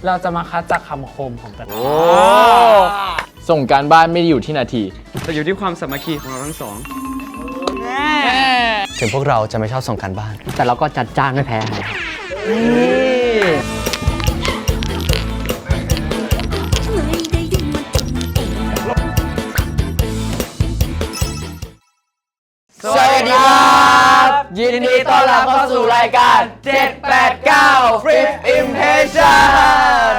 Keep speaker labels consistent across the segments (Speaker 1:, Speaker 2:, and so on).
Speaker 1: เราจะมาคัดจากคำคมของแต่ละ
Speaker 2: ส่งการบ้านไม่ได้อยู่ที่นาที
Speaker 3: แต่อยู่ที่ความสามัคคีของเราทั้งสอง
Speaker 4: ถึงพวกเราจะไม่ชอบส่งการบ้าน
Speaker 5: แต่เราก็จัดจ้านไม่แพ้ใคร
Speaker 2: สวัสดีครับยินดีต้อนรับเข้าสู่รายการ 789 Flip Impression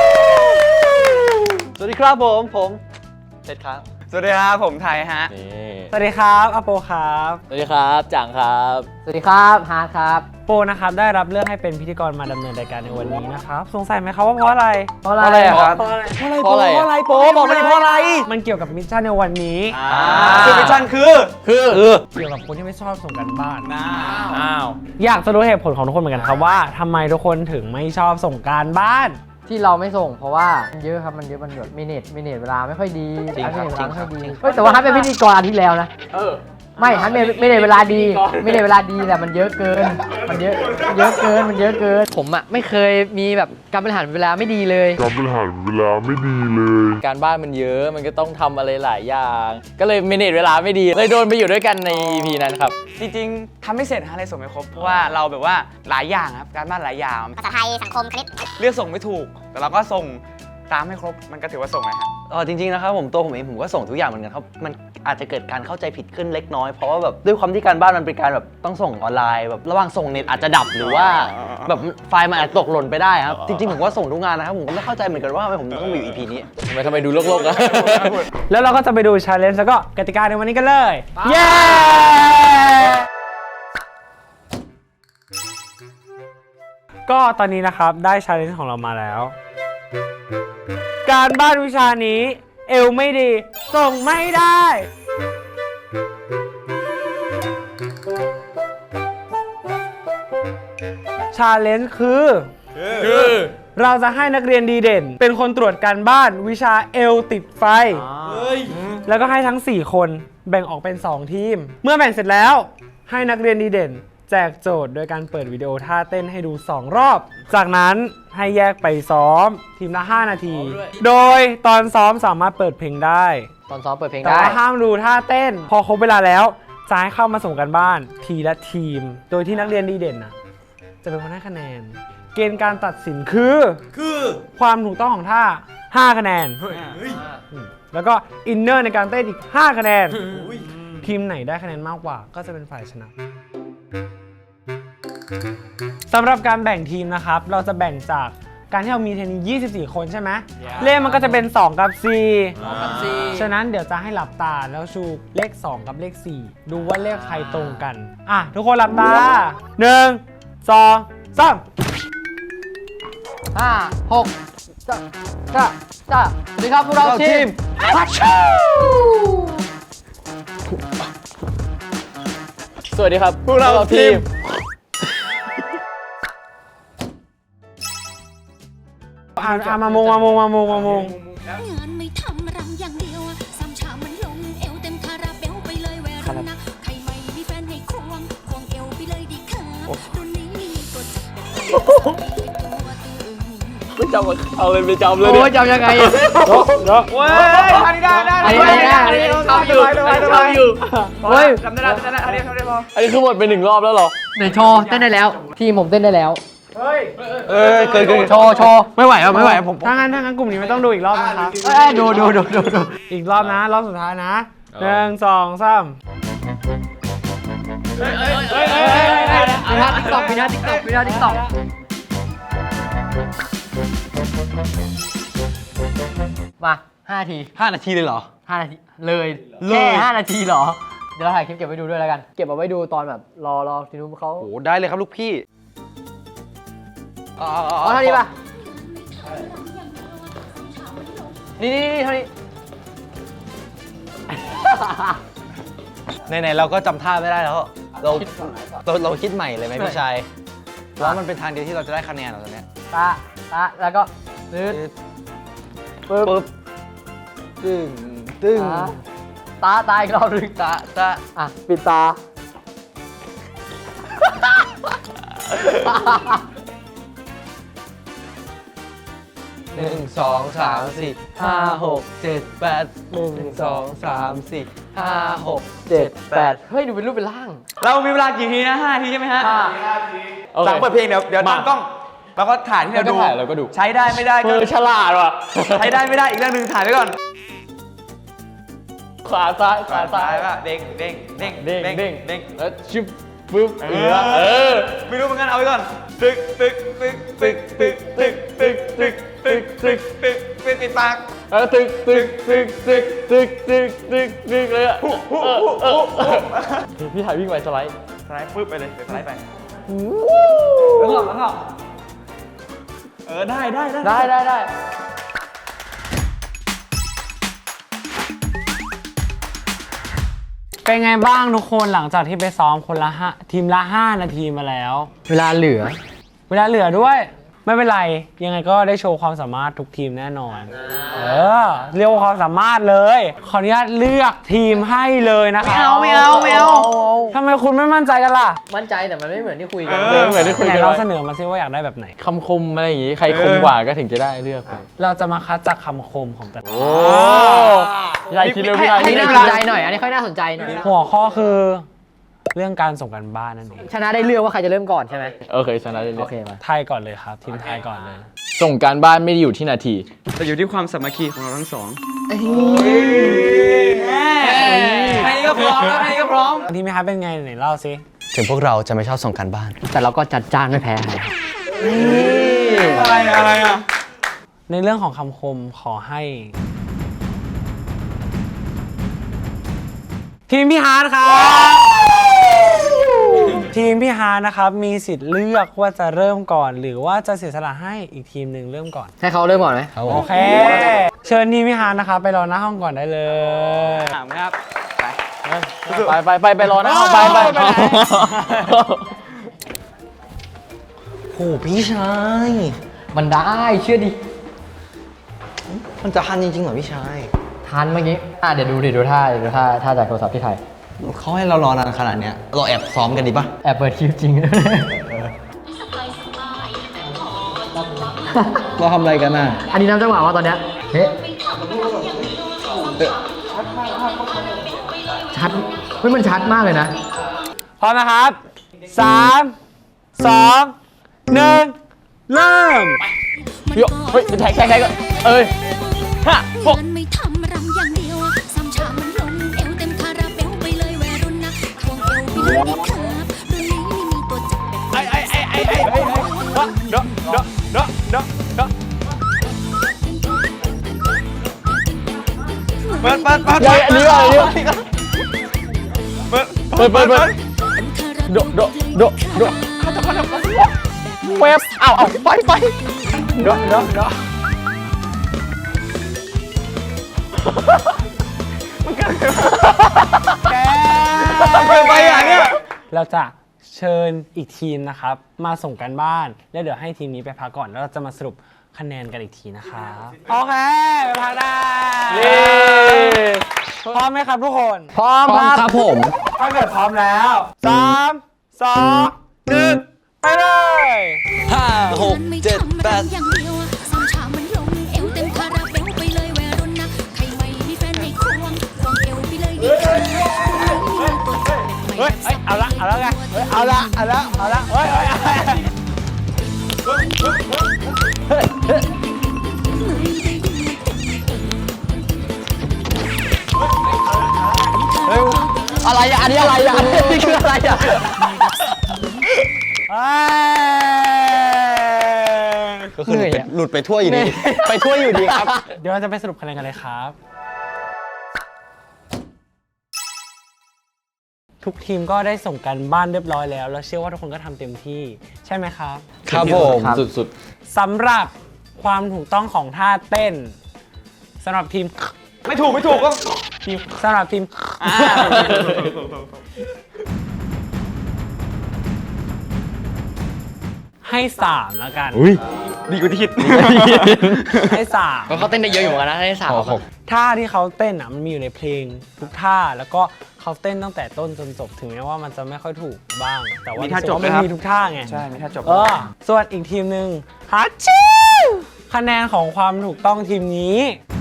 Speaker 4: สวัสดีครับผมเสร็จครับ
Speaker 3: สวัสดีครับผมไทยฮะ
Speaker 1: สวัสดีครับอโปครับ
Speaker 2: สวัสดีครับจังครับ
Speaker 5: สวัสดีครับฮาร์ดครับ
Speaker 1: โปนะครับได้รับเลือกให้เป็นพิธีกรมาดำเนินรายการในวันนี้นะครับสงสัยไหมครับว่าเพราะอะไร
Speaker 5: เพราะอะไร
Speaker 2: ครับ
Speaker 1: เพราะอะไร
Speaker 2: เพราะอะไร
Speaker 3: โป๊บอกมาดิเพราะอะไร
Speaker 1: มันเกี่ยวกับมิชชั่นในวันนี้
Speaker 3: คือมิชชั่นคือ
Speaker 1: เกี่ยวกับคนที่ไม่ชอบส่งกันบ้านอยากจะรู้เหตุผลของทุกคนเหมือนกันครับว่าทำไมทุกคนถึงไม่ชอบส่งการบ้าน
Speaker 5: ที่เราไม่ส่งเพราะว่ามันเยอะครับมันเยอะมันแบบมินิเวลาไม่ค่อยดี
Speaker 4: จริงครับ
Speaker 5: มินิเวลาไม่ค่อยดีเฮ้ยแต่ว่าฮัทเป็นพิธีกรอาทิตย์แล้วนะไม่ฮัทไม่ได้เวลาดีไม่ได้เวลาดีแต่มันเยอะเกินมันเยอะเกินผมอ่ะไม่เคยมีแบบการบริหารเวลาไม่ดีเลย
Speaker 6: การบริหารเวลาไม่ดีเลย
Speaker 2: การบ้านมันเยอะมันก็ต้องทำอะไรหลายอย่าง ก็เลยเมเนจเวลาไม่ดีเลยโดนไปอยู่ด้วยกันใน EP นั้นครับ
Speaker 3: จริงๆทำไม่เสร็จฮะเลยส่งไม่ครบ เพราะว่าเราแบบว่าหลายอย่างครับ การบ้านหลายอย่าง
Speaker 7: ภาษาไทยสังคมคณิต
Speaker 3: เลือกส่งไม่ถูก แต่เราก็ส่งตามให้ครบ มันก็ถือว่าส่งนะฮะ
Speaker 4: จริงๆนะครับตัวผมเองผมก็ส่งทุกอย่างเหมือนกันครับมันอาจจะเกิดการเข้าใจผิดขึ้นเล็กน้อยเพราะว่าแบบด้วยความที่การบ้านมันเป็นการแบบต้องส่งออนไลน์แบบระหว่างส่งเน็ตอาจจะดับหรือว่าแบบไฟล์มันอาจจะตกหล่นไปได้ครับจริงๆผมก็ส่งทุกงานนะครับผมก็ไม่เข้าใจเหมือนกันว่าทำไมผมต้องมาอยู่ EP นี้
Speaker 2: ทำไมดูโลกๆอะ
Speaker 1: แล้วเราก็จะไปดู challenge แล้วก็กติกาในวันนี้กันเลย เย้ ก็ตอนนี้นะครับได้ challenge ของเรามาแล้ว การบ้านวิชานี้เอวไม่ดี ส่งไม่ได้ challenge คือเราจะให้นักเรียนดีเด่น เป็นคนตรวจการบ้านวิชาเอลติดไฟ แล้วก็ให้ทั้ง 4 คนแบ่งออกเป็น 2 ทีม เมื่อแบ่งเสร็จแล้วให้นักเรียนดีเด่น แจกโจทย์โดยการเปิดวิดีโอท่าเต้นให้ดู 2 รอบ จากนั้นให้แยกไปซ้อมทีมละ 5 นาที โดยตอนซ้อมสามารถเปิดเพลงได้
Speaker 5: ตอนซ้อมเปิดเพลง
Speaker 1: แต่
Speaker 5: ได้
Speaker 1: ว่าห้ามดูท่าเต้น พอครบเวลาแล้วจะให้เข้ามาส่งกันบ้านทีละทีม โดยที่นักเรียนดีเด่นนะจะเป็นคนให้คะแนน เกณฑ์การตัดสินคือความถูกต้องของท่า 5 คะแนน แล้วก็อินเนอร์ในการเต้นอีก 5 คะแนน ทีมไหนได้คะแนนมากกว่าก็จะเป็นฝ่ายชนะสำหรับการแบ่งทีมนะครับ เราจะแบ่งจากการที่เรามีเทนนิส24 คนใช่ไหมเลขมันก็จะเป็น 2 กับ 4 ฉะนั้นเดี๋ยวจะให้หลับตาแล้วชูเลข 2 กับเลข 4 ดูว่าเลขใครตรงกัน ทุกคนหลับตา 1 2 3
Speaker 5: 5 6 จ้าสวัสดีครับพวกเราทีมพัชชู
Speaker 2: สวัสดีครับพวกเราทีม
Speaker 1: มามง
Speaker 7: งานไม่ทำรำอย่างเดียวสามชามมันลงเอวเต็มคาราเบลไปเลยแวรุ่นนะใครไม่มีแฟนให้ควงเอวไปเลยดีค่ะรุ่นนี้ตัวจับเป็นตัวตึง
Speaker 2: ไม่จำเอาเลยไปจำเลย
Speaker 5: โอ้ยจำยังไง
Speaker 3: เว้ยทำได้
Speaker 5: อันนี้ทำอยู่เฮ้ย
Speaker 3: ทำได้อันนี้พอ
Speaker 2: อันนี้คือหมดไป1 รอบแล้วเหรอ
Speaker 5: ไหนโชว์เต้นได้แล้ว ทีมผมเต้นได้แล้ว
Speaker 4: เกิน
Speaker 5: โชว์
Speaker 4: ไม่ไหวผม
Speaker 1: ถ้างั้นกลุ่มนี้ไม่ต้องดูอีกรอบนะครับ
Speaker 5: ดู
Speaker 1: อีกรอบนะ รอบสุดท้ายนะ1 2 3
Speaker 5: มีหน้าติ๊กต็อกมา5 นาที
Speaker 4: 5 นาทีเลยเหรอ
Speaker 5: 5 นาทีเลยแค่5 นาทีเหรอ เดี๋ยวเราถ่ายคลิปเก็บไว้ดูด้วยแล้วกัน เก็บเอาไว้ดูตอนแบบรอทีนู้นเขา
Speaker 4: โอ้ได้เลยครับลูกพี่
Speaker 5: เท่านี้ป่ะ นี่เท่านี้
Speaker 4: ไหนๆเราก็จำท่าไม่ได้แล้ว เราคิดใหม่เลยไหมพี่ชายแล้วมันเป็นทางเดียวที่เราจะได้คะแนนเหรอตอนเนี้ย
Speaker 5: ตาแล้วก็ปึ๊บ
Speaker 4: ตึ้ง
Speaker 5: ตาอีกรอบนึง
Speaker 4: ตา
Speaker 5: ปิดตา
Speaker 4: 1 2 3 4 5 6 7 8 1 2 3 4 5 6 7 8
Speaker 5: เฮ้ย ดูเป็นรูปเป็นร่าง
Speaker 3: เรามีเวลากี่ทีนะ5 ทีใช่ไหมฮะ
Speaker 2: โอเค
Speaker 3: หลังเปิดเพลงเดี๋ยวตั้งกล้องแล้วก็ถ่ายที่เราดู
Speaker 2: เราก็ดู
Speaker 3: ใช้ได้ไม่ได้ก็
Speaker 2: ฉลาดว่ะ
Speaker 3: ใช้ได้ไม่ได้อีกเรื่องหนึ่งถ่ายไว้ก่อน
Speaker 2: ขวาซ้ายขวาซ้าย
Speaker 3: ป่ะเด้งเด้งเด้ง
Speaker 2: เด้งเด้ง
Speaker 3: เด้ง
Speaker 2: แล้วชิบปึ๊บเออ
Speaker 3: ไม่รู้เหมือนกันเอาไว้ก่อนตึกตึกตึกตึกตึกตึกตึกตึกตึกตึกตึกตึกปิดปาก
Speaker 2: แล้วตึกตึกตึกตึกตึกตึกตึกตึกเลยอ่ะพี่ถ่ายวิ่งไปสไลด์
Speaker 3: สไลด์ปึ๊บไปเลยสไลด์ไป
Speaker 2: แล้วก็
Speaker 3: ได้
Speaker 2: ได้
Speaker 1: เป็นไงบ้างทุกคนหลังจากที่ไปซ้อมคนละทีมละ 5 นาทีมาแล้ว
Speaker 5: เวลาเหลือ
Speaker 1: เวลาเหลือด้วย ไม่เป็นไรยังไงก็ได้โชว์ความสามารถทุกทีมแน่นอนเรียกว่าความสามารถเลยขออนุญาตเลือกทีมให้เลยนะคะไม่เอาทำไมคุณไม่มั่นใจกันล่ะ
Speaker 5: มั่นใจแต่มันไม่เหมือนที่คุยกัน
Speaker 2: เหมือนที่คุย
Speaker 1: ไหน
Speaker 2: กัน
Speaker 1: เรา
Speaker 2: ไว้
Speaker 1: เสนอมาซิว่าอยากได้แบบไหน
Speaker 2: คำคมอะไรอย่างงี้ ใครคมกว่าก็ถึงจะได้เลือกไป
Speaker 1: เราจะมาคัดจากคำคมของแต่ละ
Speaker 2: พี่ชายคิดเร็วพี่ชาย
Speaker 5: อัน
Speaker 2: คิ
Speaker 5: นี้
Speaker 2: ด
Speaker 5: น่า
Speaker 2: เร็ว
Speaker 5: สนใจหน่อย อันนี้ค่อยน่าสนใจหน่อย
Speaker 1: หัวข้อคือเรื่องการส่งกันบ้านนั่นเอง
Speaker 5: ชนะได้เลือกว่าใครจะเริ่มก่อนใช่ไหม
Speaker 2: โอเคชนะได้เล
Speaker 5: โอย เคมา
Speaker 1: ไทยก่อนเลยครับ ทีมไทยก่อนเลย
Speaker 2: ส่งการบ้านไม่ได้อยู่ที่นาที
Speaker 3: แต่อยู่ที่ความสามัคคีของเราทั้งสองแค่นี้ก็พร้อมแล้วแค่นี้ก็พร้อม
Speaker 1: ทีมพี่ฮาร์ดเป็นไงไหนเล่าซิ
Speaker 4: ถึงพวกเราจะไม่ชอบส่งการบ้าน
Speaker 5: แต่เราก็จัดจ้านไม่แพ้ใคร
Speaker 3: อะไรอ่ะ
Speaker 1: ในเรื่องของคำคมขอให้ ทีมพี่ฮาร์ดครับทีมพี่ฮาร์ดนะครับมีสิทธิ์เลือกว่าจะเริ่มก่อน หรือว่าจะเสียสละให้อีกทีมหนึ่งเริ่มก่อน
Speaker 5: ให้เขาเริ่มก่อนไหม
Speaker 1: โอเค เชิญทีมพี่ฮาร์ดนะครับไปรอหน้าห้องก่อนได้เลย
Speaker 3: ถามครับ
Speaker 2: ไปรอนะไป
Speaker 4: โหพี่ชาย
Speaker 5: มันได้เชื่อดิ
Speaker 4: มันจะทันจริงๆเหรอพี่ชาย
Speaker 5: ทันเมื่อกี้เดี๋ยวดูท่าจากโทรศัพท์ที่ไทย
Speaker 4: เขาให้เรารอนานขนาดเนี้ยเราแอบซ้อมกันดีปะ
Speaker 5: แอบเปิดคลิปจริง
Speaker 4: เราทำอะไรกันน่ะ
Speaker 5: อันนี้นับจังหวะว่าตอนเนี้ยเฮ้ชัดเฮ้ยมันชัดมากเลยนะ
Speaker 1: พร้อมนะครับ 3 2 1 เริ่ม
Speaker 2: เฮ้ยแท็กก็เอ้ย
Speaker 7: งานไม่ทำรำอย่างเดียวซ้ำชามันลงเอวเต็มคาราเบลไปเลยวัยรุ่นนะควงเอวไปเลยดิครับรุ่นนี้ไม่มีตัวจับแบบ
Speaker 3: เปิด
Speaker 2: อันนี้ว่าเปิด
Speaker 7: คาราเบล
Speaker 2: โดเว็บเอาไปโด
Speaker 3: ไปอ่ะเนี่ย
Speaker 1: เราจะเชิญอีกทีมนะครับ มาส่งกันบ้าน แล้วเดี๋ยวให้ทีมนี้ไปพักก่อน แล้วเราจะมาสรุปคะแนนกันอีกทีนะครับ โอเค ไปพักได้พร้อมไหมครับทุกคน
Speaker 5: พร้อมครับผม
Speaker 1: ถ้าเกิดพร้อมแล้ว 3 2 1 ไปเลย
Speaker 7: 5 6 7 8อย่างเดียวซ้ำชามันลงเอวเต็มคาราเบลไปเลยวัยรุ่นนะใครไม่มีแฟนให้ควงเอวไปเลยดิครับตัวจับแบบไม่
Speaker 1: เฮ้ย เอาละไง เอาละเฮ้ย
Speaker 5: อะไรอ่ะ อันนี้อะไรอ่ะ อันนี้คืออะไรอ่ะ
Speaker 4: ก็คือหลุดไปทั่วอยู่ดี ไปทั่วอยู่ดีครับ
Speaker 1: เดี๋ยวเราจะไปสรุปคะแนนกันเลยครับ ทุกทีมก็ได้ส่งกันบ้านเรียบร้อยแล้ว แล้วเชื่อว่าทุกคนก็ทำเต็มที่ ใช่ไหมครับ
Speaker 4: ครับผม
Speaker 2: สุด
Speaker 1: สำหรับความถูกต้องของท่าเต้นสำหรับทีม
Speaker 3: ไม่ถูกก็
Speaker 1: สำหรับทีม ให้3แล้วกัน
Speaker 3: ดีกว่าที่คิด
Speaker 1: ให้3
Speaker 5: เขาเต้นได้เยอะอยู่เหมือนกันนะให้3
Speaker 1: ท่าที่เขาเต้นอ่ะมันมีอยู่ในเพลงทุกท่าแล้วก็เขาเต้นตั้งแต่ต้นจนจบถึงแม้ว่ามันจะไม่ค่อยถูกบ้าง แต่ว่า
Speaker 3: มีท่าจบ
Speaker 1: รู้สึกว่มัน
Speaker 3: ไหมครับ
Speaker 1: มีทุกท่าไง
Speaker 3: ใช่ไม่ถ้าจบ
Speaker 1: ส่วนอีกทีมหนึ่งฮัชชิวคะแนนของความถูกต้องทีมนี้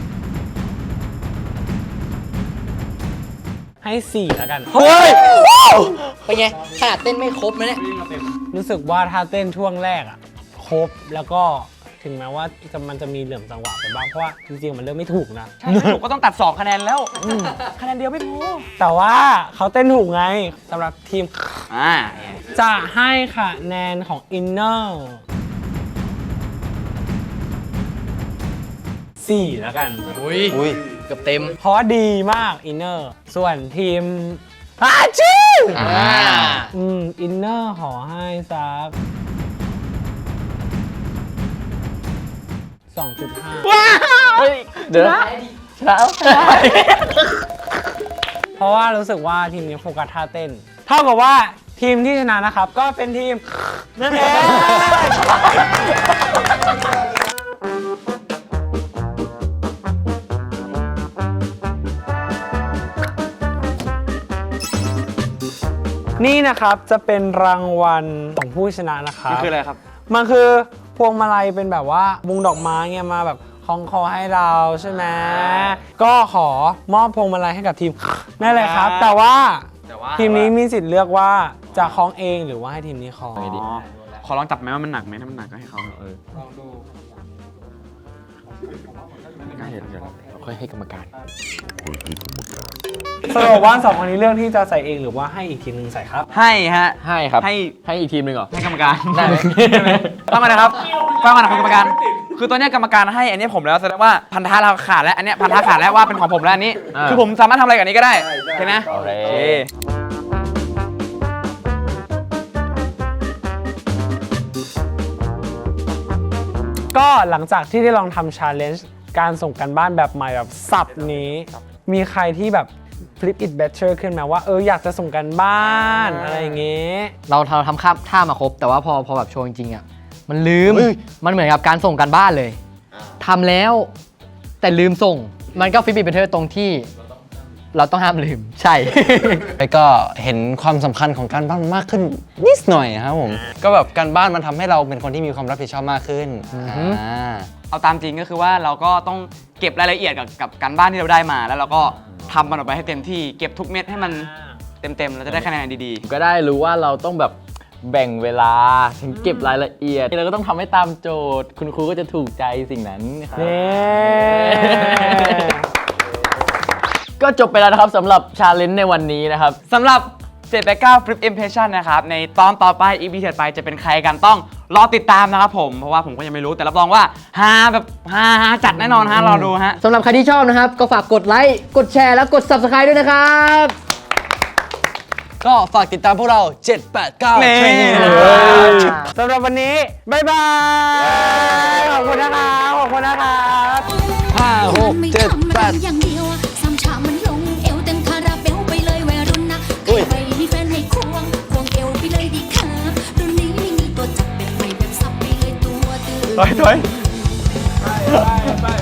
Speaker 1: ให้ 4 แล้วกัน
Speaker 4: เฮ้ย
Speaker 5: เป็นไงขนาดเต้นไม่ครบนะเนี่ย
Speaker 1: รู้สึกว่าถ้าเต้นช่วงแรกอะครบแล้วก็ถึงแม้ว่ามันจะมีเหลื่อมจังหวะไปบ้างเพราะว่าจริงๆมันเลือกไม่ถูกนะ
Speaker 3: ผมก็ต้องตัด2คะแนนแล้วคะแนนเดียวไม่พอ
Speaker 1: แต่ว่าเขาเต้นถูกไงสำหรับทีม
Speaker 3: อ่า
Speaker 1: จะให้คะแนนของอินเนอร์4แล้วกัน
Speaker 5: อุ้ยเกือบเต็ม
Speaker 1: เพราะว่าดีมากอินเนอร์ส่วนทีมอาชีพอินเนอร์ขอให้สัก 2.5
Speaker 4: เดี๋ยวนะชนะ
Speaker 1: เพราะว่ารู้สึกว่าทีมนี้โฟกัสท่าเต้น เท่ากับว่าทีมที่ชนะนะครับ ก็เป็นทีมนั่นเองนี่นะครับจะเป็นรางวัลของผู้ชนะนะครับ
Speaker 3: นี่คืออะไรครับ
Speaker 1: มันคือพวงมาลัยเป็นแบบว่ามุงดอกไม้เงี้ยมาแบบคล้องคอให้เราใช่ไหมก็ขอมอบพวงมาลัยให้กับทีมนั่นเลยครับ แต่ว่าทีมนี้มีสิทธิ์เลือกว่าจะคล้องเองหรือว่าให้ทีมนี้คล้อง
Speaker 3: ขอลองจับไหมว่ามันหนักไหมถ้ามันหนักก็ให้เขาลองดู
Speaker 4: ค่อยให้กรรมการ
Speaker 1: สรุปว่า2คนนี้เลือกที่จะใส่เองหรือว่าให้อีกทีมหนึงใส่ครับ
Speaker 3: ให้ฮะ
Speaker 4: ให้ครับ
Speaker 3: ให้
Speaker 4: อีกทีมหนึ่งเหรอ
Speaker 3: ให้กรรมการ
Speaker 4: ได้ไหม
Speaker 3: ฟังมานะครับฟังมานะครับกรรมการ คือตัวเนี้ยกรรมการให้อันนี้ผมแล้วแสดงว่าพันธะเราขาดแล้วอันเนี้ยพันธะขาดแล้วว่าเป็นของผมแล้วอันนี้ คือผมสามารถทำอะไรกับอันนี้ก็ได้ใช่ไหม
Speaker 4: โอเค
Speaker 3: โอเค
Speaker 1: ก็หลังจากที่ได้ลองทำชาเลนจ์การส่งกันบ้านแบบใหม่แบบสับนี้ มีใครที่แบบ flip it better ขึ้นไหมว่าอยากจะส่งกันบ้านอะไรอย่างเงี้ย
Speaker 5: เราทำข้ามท่ามาครบ แต่ว่าพอแบบโชว์จริงๆอ่ะมันลืม มันเหมือนกับการส่งการบ้านเลยทำแล้ว แต่ลืมส่ง มันก็ฟิบิเบเทอร์ตรงที่ เราต้องห้ามลืม ใช่
Speaker 4: แล้วก็เห็นความสำคัญของการบ้านมากขึ้นนิดหน่อยครับผม ก็แบบการบ้านมันทำให้เราเป็นคนที่มีความรับผิดชอบมากขึ้น
Speaker 3: เอาตามจริงก็คือว่าเราก็ต้องเก็บรายละเอียดกับการบ้านที่เราได้มา แล้วเราก็ทำมันออกไปให้เต็มที่ เก็บทุกเม็ดให้มันเต็มๆเราจะได้คะแนนดี
Speaker 2: ก็ได้รู้ว่าเราต้องแบบแบ่งเวลาถึงเก็บรายละเอียดเราก็ต้องทำให้ตามโจทย์ คุณครูก็จะถูกใจสิ่งนั้นครับ
Speaker 1: นี่
Speaker 2: ก็จบไปแล้วนะครับสำหรับชาเลนจ์ในวันนี้นะครับ
Speaker 3: ๆสำหรับ789 Flip Impression นะครับ ในตอนต่อไป EP ถัดไปจะเป็นใครกันต้องรอติดตามนะครับผม เพราะว่าผมก็ยังไม่รู้แต่รับรองว่าฮาแบบฮาจัดแน่นอนฮะรอดูฮะ
Speaker 5: สำหรับใครที่ชอบนะครับ ก็ฝากกดไลค์ กดแชร์ และกด Subscribe ด้วยนะครับ
Speaker 4: ก็ฝากติดตามพวกเรา 789
Speaker 3: นี่
Speaker 4: Training
Speaker 1: สำหรับวันนี้ บ๊ายบาย ขอบคุณนะครับขอบคุณนะครับ
Speaker 7: ไม่ทำอะไรอย่างเดียวซ้ำชามันลงเอวเต็มคาราเบลไปเลยวัยรุ่นนะใครไม่มีแฟนให้ควงเอวไปเลยดีค่ะรุ่นนี้ไม่มีตัวจับแบบใหม่แบบซับไปเลยตัวตื่น
Speaker 3: ถอย
Speaker 1: ไป